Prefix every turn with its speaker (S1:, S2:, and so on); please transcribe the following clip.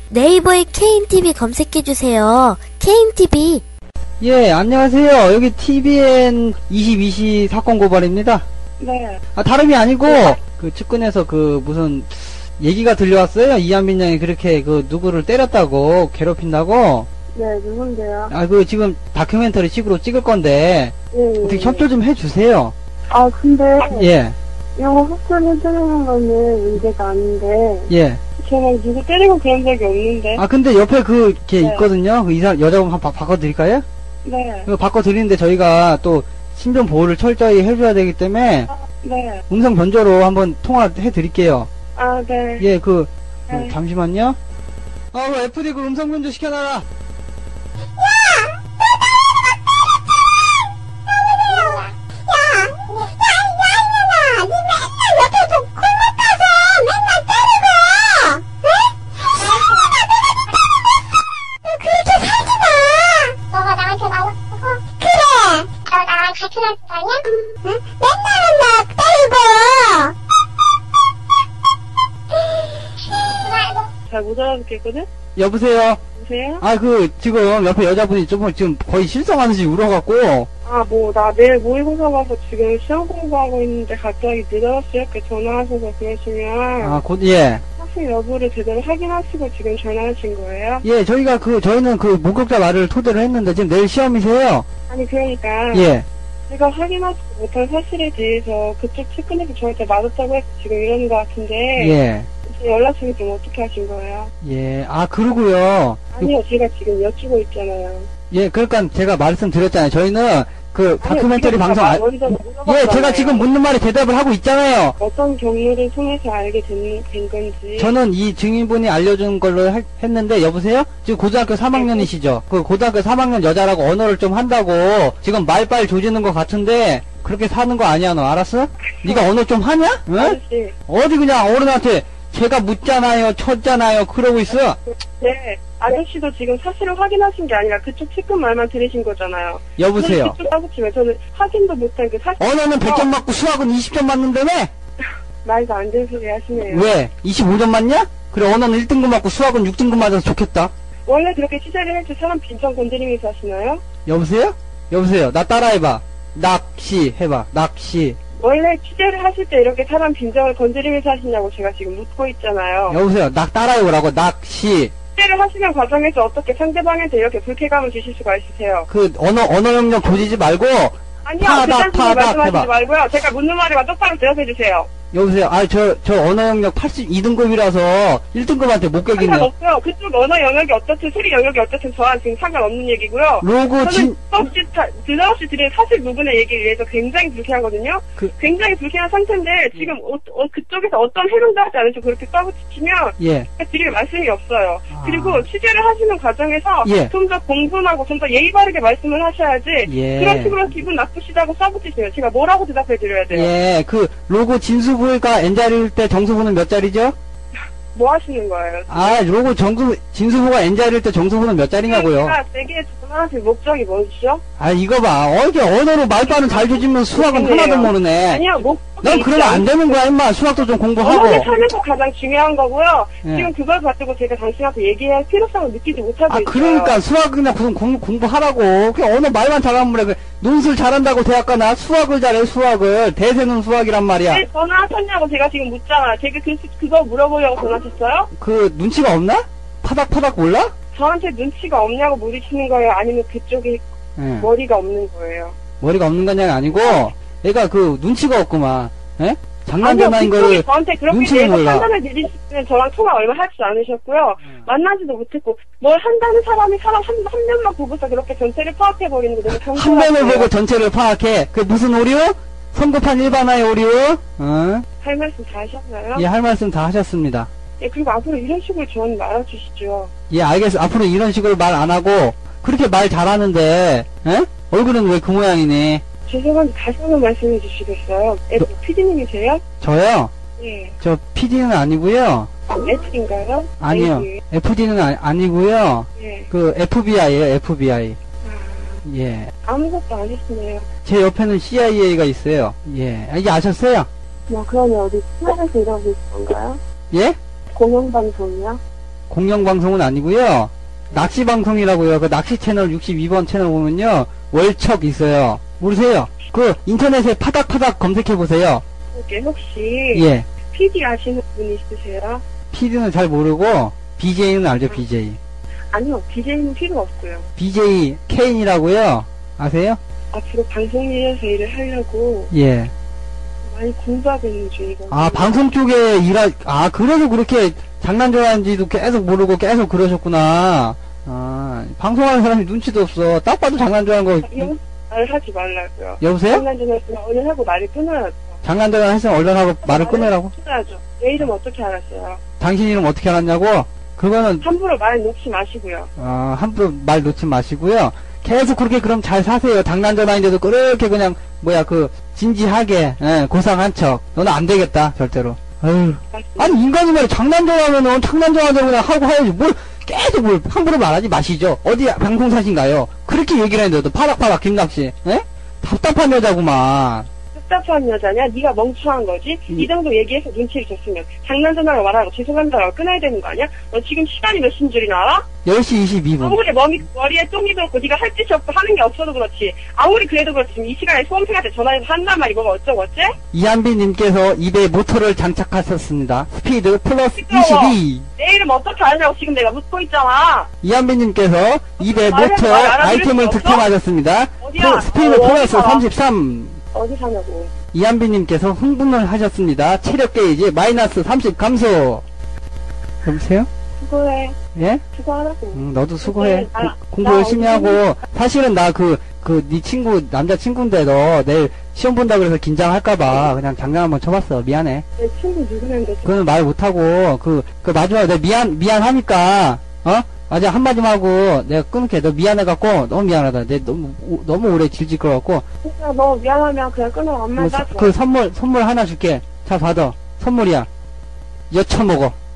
S1: 네이버에 KNTV 검색해주세요. KNTV.
S2: 예, 안녕하세요. 여기 TVN 22시 사건 고발입니다.
S3: 네.
S2: 다름이 아니고, 그 측근에서 무슨, 얘기가 들려왔어요. 이한빈 양이 그렇게 누구를 때렸다고, 괴롭힌다고.
S3: 네, 누군데요?
S2: 지금 다큐멘터리 식으로 찍을 건데,
S3: 예,
S2: 어떻게 협조 좀 해주세요.
S3: 근데,
S2: 예,
S3: 이거 협조해드리는 거는 문제가 아닌데,
S2: 예.
S3: 저는 누구 때리고 그런 적이 없는데.
S2: 근데 옆에 걔
S3: 네.
S2: 있거든요. 여자분 한번 바꿔드릴까요?
S3: 네.
S2: 바꿔드리는데 저희가 또, 신변 보호를 철저히 해줘야 되기 때문에,
S3: 네.
S2: 음성 변조로 한번 통화해드릴게요.
S3: 네.
S2: 예,
S3: 네.
S2: 잠시만요. FD 음성 변조 시켜놔라.
S4: 같은 학교 다녀? 응? 맨날 때리고!
S3: 잘 못 알아듣겠거든?
S2: 여보세요?
S3: 여보세요?
S2: 지금 옆에 여자분이 지금 거의 실성하듯이 울어갖고.
S3: 나 내일 모의고사 봐서 지금 시험 공부하고 있는데 갑자기 늦어서 이렇게 전화하셔서 그러시면.
S2: 예.
S3: 학생 여부를 제대로 확인하시고 지금 전화하신 거예요?
S2: 예, 저희는 목격자 말을 토대로 했는데 지금 내일 시험이세요?
S3: 아니, 그러니까.
S2: 예.
S3: 제가 확인하지 못한 사실에 대해서 그쪽 측근에서 저한테 맞았다고 해서 지금 이러는 것 같은데.
S2: 예.
S3: 제 연락처를 좀 어떻게 하신 거예요?
S2: 예. 그러고요.
S3: 아니요, 제가 지금 여쭈고 있잖아요.
S2: 예, 그러니까 제가 말씀드렸잖아요. 저희는 다큐멘터리
S3: 지금
S2: 방송 제가 지금 묻는 말에 대답을 하고 있잖아요.
S3: 어떤 경로를 통해서 알게 된 건지.
S2: 저는 이 증인분이 알려준 걸로 했는데, 여보세요? 지금 고등학교 3학년이시죠? 고등학교 3학년 여자라고 언어를 좀 한다고 지금 말빨 조지는 것 같은데, 그렇게 사는 거 아니야, 너 알았어? 네가 언어 좀 하냐? 응?
S3: 아저씨.
S2: 어디 그냥 어른한테 제가 묻잖아요, 쳤잖아요, 그러고 있어.
S3: 네. 아저씨도 지금 사실을 확인하신 게 아니라 그쪽 측근 말만 들으신 거잖아요.
S2: 여보세요?
S3: 그쪽 따지면 저는 확인도 못한 그 사실.
S2: 언어는 100점 맞고 수학은 20점 맞는다며?
S3: 말도 안 되는 소리 하시네요.
S2: 왜? 25점 맞냐? 그래, 언어는 1등급 맞고 수학은 6등급 맞아서 좋겠다.
S3: 원래 그렇게 취재를 할 때 사람 빈정 건드리면서 하시나요?
S2: 여보세요? 여보세요? 나 따라해봐. 낚시 해봐. 낚시.
S3: 원래 취재를 하실 때 이렇게 사람 빈정을 건드리면서 하시냐고 제가 지금 묻고 있잖아요.
S2: 여보세요? 따라해보라고. 낚시.
S3: 취재를 하시는 과정에서 어떻게 상대방한테 이렇게 불쾌감을 주실 수가 있으세요?
S2: 언어 영역 조지지 말고.
S3: 아니요,
S2: 파닥,
S3: 그딴 식으로 말씀하시지
S2: 해봐.
S3: 말고요. 제가 묻는 말에만 똑바로 대답해 주세요.
S2: 여보세요? 저 언어 영역 82등급이라서 1등급한테 못 깨겠네.
S3: 상관없고요. 그쪽 언어 영역이 어떻든 소리 영역이 어떻든 저랑 지금 상관없는 얘기고요. 저는 드러없이 드린 사실 부분의 얘기를 위해서 굉장히 불쾌하거든요. 굉장히 불쾌한 상태인데 지금 그쪽에서 어떤 해명도 하지 않으시고 그렇게 까부치면
S2: 예.
S3: 드릴 말씀이 없어요. 그리고 취재를 하시는 과정에서
S2: 예.
S3: 좀 더 공분하고 좀 더 예의 바르게 말씀을 하셔야지.
S2: 예.
S3: 그런 식으로 기분 나쁘시다고 싸붙이시면 제가 뭐라고 대답해 드려야 돼요?
S2: 예. 로고 진수부가 N자리일 때 정수부는 몇 자리죠?
S3: 뭐 하시는 거예요?
S2: 로고 진수부가 N자리일 때 정수부는 몇 자리냐고요?
S3: 제가 되게 전화하실 목적이 뭐죠?
S2: 이거 봐. 이게 언어로 말빨은 잘 조지면 수학은
S3: 그러네요.
S2: 하나도 모르네.
S3: 아니요,
S2: 넌 그러면 안 되는 거야, 임마. 수학도 좀 공부하고.
S3: 언어를 살면서 가장 중요한 거고요.
S2: 예.
S3: 지금 그걸 가지고 제가 당신한테 얘기할 필요성을 느끼지 못하고 있어요.
S2: 그러니까 수학 그냥 공부하라고. 그냥 언어 말만 잘하면 그래. 논술 잘한다고 대학 가나? 수학을 잘해, 수학을. 대세는 수학이란 말이야.
S3: 왜 전화하셨냐고 제가 지금 묻잖아. 제가 그거 물어보려고 전화하셨어요?
S2: 눈치가 없나? 파닥파닥 몰라?
S3: 저한테 눈치가 없냐고 물으시는 거예요? 아니면 그쪽에
S2: 예.
S3: 머리가 없는 거예요?
S2: 머리가 없는 거냐가 아니고, 얘가 눈치가 없구만. 예? 장난
S3: 아니요,
S2: 전화인
S3: 그쪽이
S2: 거를
S3: 저한테 그렇게
S2: 눈치를
S3: 대해서
S2: 몰라.
S3: 판단을 내리시면 저랑 통화 얼마 하지 않으셨고요. 만나지도 못했고 뭘 한다는 사람이 사람 한 면만 보고서 그렇게 전체를 파악해버리는 거 너무
S2: 한
S3: 정신없어요.
S2: 면을 보고 전체를 파악해. 무슨 오류? 성급한 일반화의 오류?
S3: 할 말씀 다 하셨나요?
S2: 예, 할 말씀 다 하셨습니다.
S3: 예, 그리고 앞으로 이런 식으로 저한테 말아주시죠.
S2: 예, 알겠어. 앞으로 이런 식으로 말 안 하고, 그렇게 말 잘하는데, 에? 얼굴은 왜 그 모양이니?
S3: 죄송한데 다시 한번 말씀해 주시겠어요? PD님이세요?
S2: 저요?
S3: 예.
S2: 저 PD는 아니고요.
S3: F인가요?
S2: 아니요. FD는 아니고요.
S3: 예.
S2: FBI에요, FBI. 예.
S3: 아무것도 안 했네요.
S2: 제 옆에는 CIA가 있어요. 예. 이게 아셨어요?
S3: 그러면 어디 친하에서 일하고 있는 건가요?
S2: 예?
S3: 공영방송이요?
S2: 공영방송은 아니고요. 낚시방송이라고요. 그 낚시 채널 62번 채널 보면요. 월척 있어요. 모르세요? 그 인터넷에 파닥파닥 검색해보세요.
S3: 이게 혹시
S2: 예.
S3: PD 아시는 분 있으세요?
S2: PD는 잘 모르고 BJ는 알죠, BJ.
S3: 아니요, BJ는 필요 없고요.
S2: BJ 케인이라고요. 아세요?
S3: 앞으로 방송일에서 일을 하려고
S2: 예.
S3: 많이 공부하고 있는 중이거든요.
S2: 아, 방송 쪽에 그래서 그렇게 장난 좋아하는지도 계속 모르고 계속 그러셨구나. 아, 방송하는 사람이 눈치도 없어. 딱 봐도 장난 좋아하는 거.
S3: 이런 말을 하지 말라고요.
S2: 여보세요?
S3: 장난 좀 했으면 오늘 하고 말을 끊어야죠.
S2: 장난 좋아했으면 얼른 하고 말을 끊으라고?
S3: 끊어야죠. 내 이름 어떻게 알았어요?
S2: 당신 이름 어떻게 알았냐고? 그거는,
S3: 함부로 말 놓지 마시고요.
S2: 함부로 말 놓지 마시고요. 계속 그렇게 그럼 잘 사세요. 장난 전화인데도 그렇게 그냥, 진지하게, 고상한 척. 너는 안 되겠다, 절대로. 아유. 아니, 인간이 말이야. 장난 전화하면은 장난 전화대로 그냥 하고 해야지. 계속 함부로 말하지 마시죠. 어디 방송사신가요? 그렇게 얘기를 했는데도 파닥파닥 김낚시, 답답한 여자구만.
S3: 답답한 여자냐? 네가 멍청한 거지? 이 정도 얘기해서 눈치를 줬으면 장난전화로 말하고 죄송합니다라고 끊어야 되는 거 아니야? 너 지금 시간이 몇 시인 줄이나 알아?
S2: 10시 22분.
S3: 아무리 머리에 똥이 들었고 네가 할 짓이 없고 하는 게 없어도 그렇지. 아무리 그래도 그렇지. 지금 이 시간에 수험생한테 전화해서 한단 말이 뭐가 어쩌고 어째?
S2: 이한빈님께서 입에 모터를 장착하셨습니다. 스피드 플러스
S3: 시끄러워.
S2: 22.
S3: 내 이름 어떻게 아냐고 지금 내가 묻고 있잖아.
S2: 이한빈님께서 입에
S3: 말해도
S2: 모터
S3: 말 알아들을
S2: 아이템을
S3: 수 없어?
S2: 득템하셨습니다.
S3: 어디야?
S2: 스피드
S3: 어디
S2: 플러스
S3: 살아?
S2: 33.
S3: 어디 사냐고.
S2: 이한빈님께서 흥분을 하셨습니다. 체력 게이지 마이너스 30 감소. 여보세요?
S3: 수고해.
S2: 예?
S3: 수고하라고.
S2: 너도 수고해.
S3: 나-
S2: 공부
S3: 나
S2: 열심히 하고. 사실은 나 네 친구, 남자친구인데도 내일 시험 본다 그래서 긴장할까봐 그냥 장난 한번 쳐봤어. 미안해.
S3: 내 친구 누구는데
S2: 그거는 말 못하고, 마지막에 내가 미안하니까, 맞아, 한마디만 하고 내가 끊을게. 너 미안해갖고, 너무 미안하다. 내 너무 오래 질질 끌어갖고,
S3: 진짜 너 미안하면 그냥 끊어. 안 맞아.
S2: 선물 하나 줄게. 자, 받아. 선물이야. 여쳐먹어.